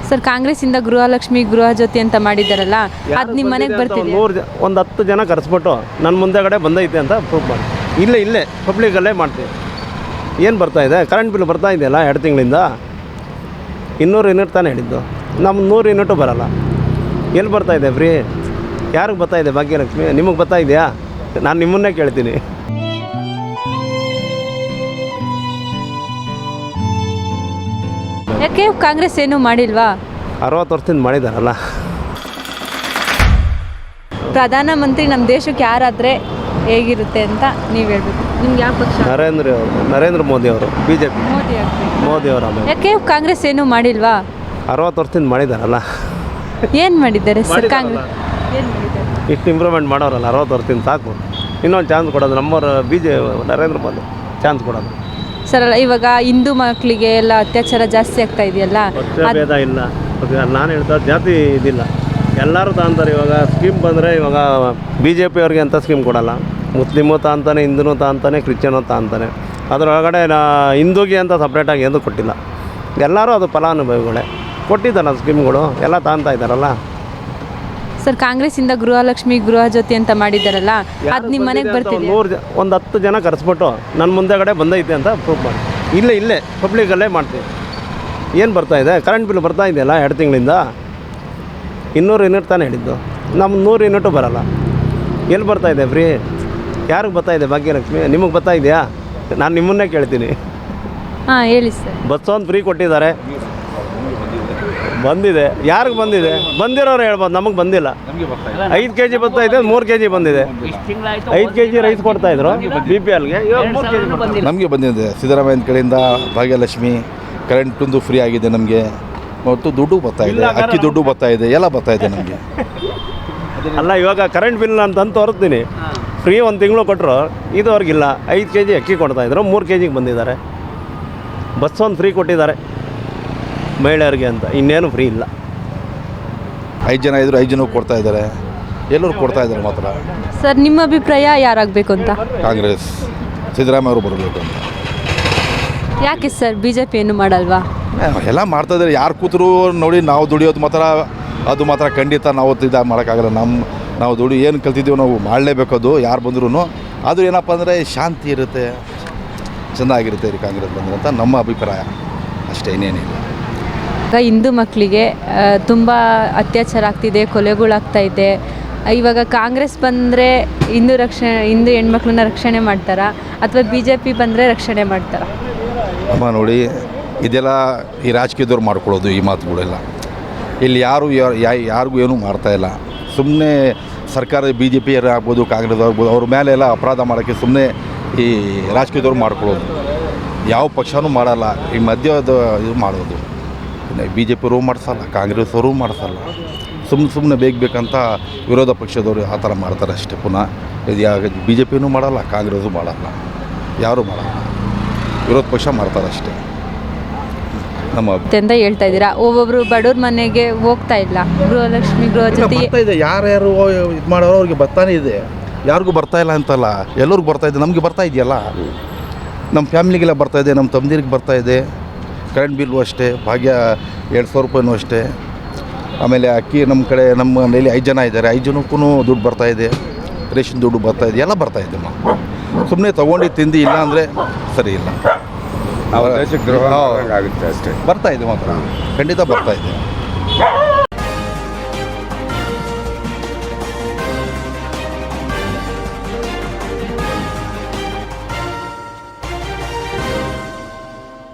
Sir ಕಾಂಗ್ರೆಸ್ಸಿಂದ Gruhalakshmi Gruhajyothi ಅಂತ ಮಾಡಿದ್ದಾರಲ್ಲ, ಅದು ನಿಮ್ಮ ಮನೆಗೆ ಬರ್ತಿದೆ? ಒಂದು 10 ಜನ ಕರೆಸ್ಬಿಟ್ಟು ನನ್ನ ಮುಂದೆಗಡೆ ಬಂದೈತೆ ಅಂತ ಪ್ರೂಫ್ ಮಾಡಿ ಇಲ್ಲೇ ಪಬ್ಲಿಕಲ್ಲೇ ಮಾಡ್ತೀವಿ. ಏನು ಬರ್ತಾಯಿದೆ? ಕರೆಂಟ್ ಬಿಲ್ ಬರ್ತಾ ಇದೆಯಲ್ಲ 2 ತಿಂಗಳಿಂದ 200 ಯೂನಿಟ್ ತಾನೇ ಹೇಳಿದ್ದು. ನಮ್ಮ 100 ಯೂನಿಟು ಬರೋಲ್ಲ. ಎಲ್ಲಿ ಬರ್ತಾಯಿದೆ ಫ್ರೀ? ಯಾರಿಗೆ ಬರ್ತಾಯಿದೆ ಭಾಗ್ಯಲಕ್ಷ್ಮಿ? ನಿಮಗೆ ಬರ್ತಾ ಇದೆಯಾ? ನಾನು ನಿಮ್ಮನ್ನೇ ಕೇಳ್ತೀನಿ. ಯಾಕೆ ಕಾಂಗ್ರೆಸ್ ಏನೂ ಮಾಡಿಲ್ವಾ? 60 ವರ್ಷದಿಂದ ಮಾಡಿದಾರಲ್ಲ. ಪ್ರಧಾನಮಂತ್ರಿ ನಮ್ಮ ದೇಶಕ್ಕೆ ಯಾರಾದರೆ ಹೇಗಿರುತ್ತೆ ಅಂತ ನೀವು ಹೇಳ್ಬೇಕು. ನಿಮ್ಗೆ ಯಾವ ಪಕ್ಷ? ನರೇಂದ್ರ ಮೋದಿ ಅವರು, BJP ಮೋದಿ ಅವರು. ಯಾಕೆ ಕಾಂಗ್ರೆಸ್ ಏನೂ ಮಾಡಿಲ್ವಾ? 60 ವರ್ಷದಿಂದ ಮಾಡಿದಾರಲ್ಲ. ಏನು ಮಾಡಿದ್ದಾರೆ ಸರ್ ಕಾಂಗ್ರೆಸ್? ಏನು ಮಾಡಿದ್ದಾರೆ? ಇಷ್ಟು ಇಂಪ್ರೂವ್ಮೆಂಟ್ ಮಾಡೋರಲ್ಲ 60 ವರ್ಷದಿಂದ, ಸಾಕು. ಇನ್ನೊಂದು ಚಾನ್ಸ್ ಕೊಡೋದು ನಮ್ಮವ್ರ ನರೇಂದ್ರ ಮೋದಿ ಚಾನ್ಸ್ ಕೊಡೋದು. ಸರ್ ಅಲ್ಲ, ಇವಾಗ ಹಿಂದೂ ಮಕ್ಕಳಿಗೆ ಎಲ್ಲ ಅತ್ಯಾಚಾರ ಜಾಸ್ತಿ ಆಗ್ತಾ ಇದೆಯಲ್ಲ, ಭೇದ ಇಲ್ಲ. ನಾನು ಹೇಳ್ತಾ ಜಾತಿ ಇದಿಲ್ಲ, ಎಲ್ಲರೂ ತಾಂತಾರೆ. ಇವಾಗ ಸ್ಕೀಮ್ ಬಂದರೆ ಇವಾಗ BJP ಅವ್ರಿಗೆ ಅಂತ ಸ್ಕೀಮ್ ಕೊಡೋಲ್ಲ. ಮುಸ್ಲಿಮು ತಾಂತಾನೆ, ಹಿಂದೂ ತಾಂತಾನೆ, ಕ್ರಿಶ್ಚಿಯನು ತಾಂತಾನೆ. ಅದರೊಳಗಡೆ ಹಿಂದೂಗೆ ಅಂತ ಸಪ್ರೇಟಾಗಿ ಏನೂ ಕೊಟ್ಟಿಲ್ಲ. ಎಲ್ಲರೂ ಅದು ಫಲಾನುಭವಿಗಳೇ ಕೊಟ್ಟಿದ್ದಾರಲ್ಲ ಸ್ಕೀಮ್ಗಳು, ಎಲ್ಲ ತಾಂತಾ ಇದ್ದಾರಲ್ಲ. ಸರ್ ಕಾಂಗ್ರೆಸ್ಸಿಂದ ಗೃಹಲಕ್ಷ್ಮಿ ಗೃಹಜ್ಯೋತಿ ಅಂತ ಮಾಡಿದ್ದಾರಲ್ಲ, ಅದು ನಿಮ್ಮ ಮನೆಗೆ ಬರ್ತಿದೆ? ಒಂದು 10 ಜನ ಕರೆಸ್ಬಿಟ್ಟು ನನ್ನ ಮುಂದೆಗಡೆ ಬಂದೈತೆ ಅಂತ ಪ್ರೂಫ್ ಮಾಡಿ ಇಲ್ಲೇ ಪಬ್ಲಿಕಲ್ಲೇ ಮಾಡ್ತೀವಿ. ಏನು ಬರ್ತಾಯಿದೆ? ಕರೆಂಟ್ ಬಿಲ್ ಬರ್ತಾ ಇದೆಯಲ್ಲ 2 ತಿಂಗಳಿಂದ 200 ಯೂನಿಟ್ ತಾನೇ ಹೇಳಿದ್ದು. ನಮ್ಮ 100 ಯೂನಿಟು ಬರೋಲ್ಲ. ಎಲ್ಲಿ ಬರ್ತಾಯಿದೆ ಫ್ರೀ? ಯಾರಿಗೆ ಬರ್ತಾಯಿದೆ ಭಾಗ್ಯಲಕ್ಷ್ಮಿ? ನಿಮಗೆ ಬರ್ತಾ ಇದೆಯಾ? ನಾನು ನಿಮ್ಮನ್ನೇ ಕೇಳ್ತೀನಿ. ಹಾಂ ಹೇಳಿ ಸರ್. ಬಸ್ ಒಂದು ಫ್ರೀ ಕೊಟ್ಟಿದ್ದಾರೆ, ಬಂದಿದೆ. ಯಾರಿಗೆ ಬಂದಿದೆ? ಬಂದಿರೋರು ಹೇಳ್ಬೋದು, ನಮಗೆ ಬಂದಿಲ್ಲ. 5 kg ಬರ್ತಾ ಇದೆ, 3 kg ಬಂದಿದೆ. 5 kg ರೈಸ್ ಕೊಡ್ತಾಯಿದ್ರು BPLಗೆ, ಇವಾಗ 3 kg ಬಂದಿದೆ. ನಮಗೆ ಬಂದಿದೆ ಸಿದ್ದರಾಮಯ್ಯನ ಕಡೆಯಿಂದ ಭಾಗ್ಯಲಕ್ಷ್ಮಿ, ಕರೆಂಟೊಂದು ಫ್ರೀ ಆಗಿದೆ ನಮಗೆ, ಮತ್ತು ದುಡ್ಡು ಬರ್ತಾ ಇದೆ, ಅಕ್ಕಿ ದುಡ್ಡು ಬರ್ತಾ ಇದೆ, ಎಲ್ಲ ಬರ್ತಾ ಇದೆ ನಮಗೆ. ಅಲ್ಲ, ಇವಾಗ ಕರೆಂಟ್ ಬಿಲ್ ಅಂತಂದು ತೋರಿಸ್ತೀನಿ. ಫ್ರೀ 1 ತಿಂಗಳು ಕೊಟ್ಟರು, ಇದುವರೆಗಿಲ್ಲ. 5 kg ಅಕ್ಕಿ ಕೊಡ್ತಾಯಿದ್ರು, 3 kgಗೆ ಬಂದಿದ್ದಾರೆ. ಬಸ್ ಒಂದು ಫ್ರೀ ಕೊಟ್ಟಿದ್ದಾರೆ ಮಹಿಳೆಯರಿಗೆ ಅಂತ, ಇನ್ನೇನು ಫ್ರೀ ಇಲ್ಲ. 5 ಜನ ಇದ್ದರು, 5 ಜನಕ್ಕೆ ಕೊಡ್ತಾ ಇದ್ದಾರೆ, ಎಲ್ಲರೂ ಕೊಡ್ತಾ ಇದ್ದಾರೆ ಮಾತ್ರ. ಸರ್ ನಿಮ್ಮ ಅಭಿಪ್ರಾಯ ಯಾರಾಗಬೇಕು ಅಂತ? ಕಾಂಗ್ರೆಸ್ ಸಿದ್ದರಾಮಯ್ಯ ಅವರು ಬರಬೇಕು ಅಂತ. ಯಾಕೆ ಸರ್ BJP ಏನು ಮಾಡಲ್ವಾ? ಎಲ್ಲ ಮಾಡ್ತಾ ಇದ್ದಾರೆ. ಯಾರು ಕೂತರು ನೋಡಿ, ನಾವು ದುಡಿಯೋದು ಮಾತ್ರ, ಅದು ಮಾತ್ರ ಖಂಡಿತ ನಾವು ಮಾಡೋಕ್ಕಾಗಲ್ಲ. ನಾವು ಏನು ಕಲ್ತಿದ್ದೀವಿ ನಾವು ಮಾಡಲೇಬೇಕು. ಅದು ಯಾರು ಬಂದ್ರೂ ಅದು ಏನಪ್ಪ ಅಂದರೆ ಶಾಂತಿ ಇರುತ್ತೆ, ಚೆನ್ನಾಗಿರುತ್ತೆ ರೀ ಕಾಂಗ್ರೆಸ್ ಬಂದರೆ ಅಂತ ನಮ್ಮ ಅಭಿಪ್ರಾಯ ಅಷ್ಟೇ, ಇನ್ನೇನಿಲ್ಲ. ಈಗ ಹಿಂದೂ ಮಕ್ಕಳಿಗೆ ತುಂಬ ಅತ್ಯಾಚಾರ ಆಗ್ತಿದೆ, ಕೊಲೆಗಳಾಗ್ತಾ ಇದೆ. ಇವಾಗ ಕಾಂಗ್ರೆಸ್ ಬಂದರೆ ಹಿಂದೂ ಹೆಣ್ಮಕ್ಳನ್ನ ರಕ್ಷಣೆ ಮಾಡ್ತಾರಾ, ಅಥವಾ BJP ಬಂದರೆ ರಕ್ಷಣೆ ಮಾಡ್ತಾರಾ? ಅಮ್ಮ ನೋಡಿ, ಇದೆಲ್ಲ ಈ ರಾಜಕೀಯದವ್ರು ಮಾಡ್ಕೊಳ್ಳೋದು ಈ ಮಾತುಗಳೆಲ್ಲ. ಇಲ್ಲಿ ಯಾರಿಗೂ ಏನೂ ಮಾಡ್ತಾಯಿಲ್ಲ. ಸುಮ್ಮನೆ ಸರ್ಕಾರ BJP ಆಗ್ಬೋದು, ಕಾಂಗ್ರೆಸ್ ಆಗ್ಬೋದು, ಅವ್ರ ಮೇಲೆ ಎಲ್ಲ ಅಪರಾಧ ಮಾಡೋಕ್ಕೆ ಸುಮ್ಮನೆ ಈ ರಾಜಕೀಯದವ್ರು ಮಾಡ್ಕೊಳ್ಳೋದು. ಯಾವ ಪಕ್ಷನೂ ಮಾಡಲ್ಲ, ಈ ಮಧ್ಯದ ಇದು ಮಾಡೋದು. BJP ಅವರು ಮಾಡಿಸಲ್ಲ, ಕಾಂಗ್ರೆಸ್ ಅವರು ಮಾಡಿಸಲ್ಲ. ಸುಮ್ಮನೆ ಬೇಕಂತ ವಿರೋಧ ಪಕ್ಷದವರು ಆ ಥರ ಮಾಡ್ತಾರೆ ಅಷ್ಟೇ. ಪುನಃ ಇದು BJPನೂ ಮಾಡಲ್ಲ, ಕಾಂಗ್ರೆಸ್ಸು ಮಾಡಲ್ಲ, ಯಾರೂ ಮಾಡಲ್ಲ, ವಿರೋಧ ಪಕ್ಷ ಮಾಡ್ತಾರೆ ಅಷ್ಟೇ. ನಮ್ಮ ಅಂತ ಹೇಳ್ತಾ ಇದ್ದೀರಾ. ಒಬ್ಬೊಬ್ಬರು ಬಡವ್ರ ಮನೆಗೆ ಹೋಗ್ತಾ ಇಲ್ಲ, ಗೃಹಲಕ್ಷ್ಮಿ ಗೃಹಜ್ಯೋತಿ ಬರ್ತಾ ಇದೆ. ಯಾರ್ಯಾರು ಇದು ಮಾಡೋರು ಅವ್ರಿಗೆ ಬರ್ತಾನೆ ಇದೆ, ಯಾರಿಗೂ ಬರ್ತಾ ಇಲ್ಲ ಅಂತಲ್ಲ, ಎಲ್ಲರಿಗೂ ಬರ್ತಾ ಇದೆ. ನಮಗೆ ಬರ್ತಾ ಇದೆಯಲ್ಲ, ನಮ್ಮ ಫ್ಯಾಮಿಲಿಗೆಲ್ಲ ಬರ್ತಾ ಇದೆ, ನಮ್ಮ ತಮ್ಮದಿರಿಗೆ ಬರ್ತಾ ಇದೆ. ಕರೆಂಟ್ ಬಿಲ್ಲು ಅಷ್ಟೇ, ಭಾಗ್ಯ 200 ರೂಪಾಯಿನೂ ಅಷ್ಟೇ. ಆಮೇಲೆ ಅಕ್ಕಿ ನಮ್ಮ ಕಡೆ, ನಮ್ಮ ಮನೇಲಿ 5 ಜನ ಇದ್ದಾರೆ, 5 ಜನಕ್ಕೂ ದುಡ್ಡು ಬರ್ತಾ ಇದೆ, ರೇಷನ್ ದುಡ್ಡು ಬರ್ತಾ ಇದೆ, ಎಲ್ಲ ಬರ್ತಾ ಇದೆ. ಸುಮ್ಮನೆ ತೊಗೊಂಡು ತಿಂದು ಇಲ್ಲ ಅಂದರೆ ಸರಿ ಇಲ್ಲ. ದೇಶಕ್ಕೆ ದ್ರೋಹ ಆಗುತ್ತೆ ಅಷ್ಟೇ. ಬರ್ತಾ ಇದೆ ಮಾತ್ರ, ಖಂಡಿತ ಬರ್ತಾ ಇದೆ.